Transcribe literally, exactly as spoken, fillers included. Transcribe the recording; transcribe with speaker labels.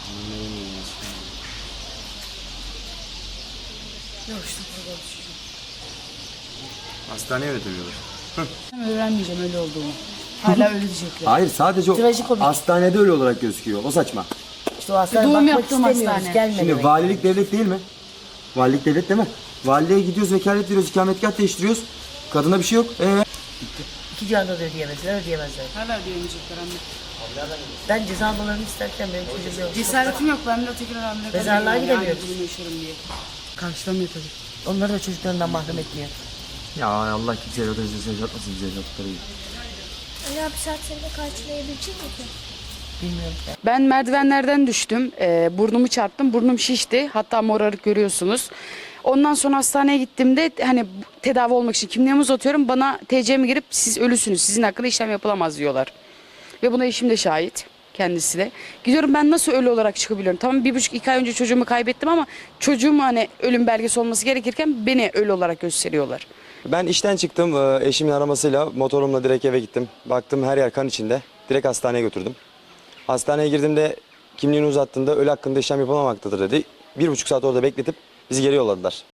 Speaker 1: Yok işte burada düşeceğim.
Speaker 2: Hastaneye öğretemiyorlar.
Speaker 1: Ben öğrenmeyeceğim öyle olduğumu. Hala öyle diyecekler.
Speaker 2: Hayır, sadece o
Speaker 3: Trajikomik.
Speaker 2: hastanede öyle olarak gözüküyor. O saçma.
Speaker 3: İşte o hastaneye
Speaker 1: Doğum
Speaker 3: bakmak
Speaker 1: yaptığım
Speaker 3: istemiyoruz.
Speaker 1: hastane.
Speaker 3: Gelme
Speaker 2: Şimdi
Speaker 3: demek.
Speaker 2: valilik devlet değil mi? Valilik devlet değil mi? Valiliğe gidiyoruz, vekalet veriyoruz, ikametgah değiştiriyoruz. Kadına bir şey yok. Ee?
Speaker 3: İki canda da ödeyemezler, ödeyemezler.
Speaker 1: Hala ödeyemeyecekler anne.
Speaker 3: Ben ceza almalarını isterken benim çocuğum yok.
Speaker 1: Cesaretim yok ben bile tekrar hamile
Speaker 3: Mezarlığa
Speaker 1: kalayım yani,
Speaker 3: gidemiyoruz.
Speaker 1: aynı durumu yaşarım diye. Karşılamıyor tabii.
Speaker 3: Onları da çocuklarından mahrum etmiyor.
Speaker 2: Ya Allah kimseye evlat acısı yaşatmasın bize evlatları gibi.
Speaker 4: Ali abi saatlerinde karşılayabilecek mi ki?
Speaker 3: Bilmiyorum.
Speaker 1: Ben merdivenlerden düştüm. Ee, burnumu çarptım. Burnum şişti. Hatta morarık görüyorsunuz. Ondan sonra hastaneye gittiğimde hani tedavi olmak için kimliğimi uzatıyorum. Bana T C'mi girip siz ölüsünüz. Sizin hakkında işlem yapılamaz diyorlar. Ve buna eşim de şahit. Kendisi de. Gidiyorum ben nasıl ölü olarak çıkabiliyorum? Tamam bir buçuk iki ay önce çocuğumu kaybettim ama çocuğum hani ölüm belgesi olması gerekirken beni ölü olarak gösteriyorlar.
Speaker 2: Ben işten çıktım. Ee, Eşimin aramasıyla motorumla direkt eve gittim. Baktım her yer kan içinde. Direkt hastaneye götürdüm. Hastaneye girdiğimde kimliğini uzattığında ölü hakkında işlem yapılmamaktadır dedi. Bir buçuk saat orada bekletip bizi geri yolladılar.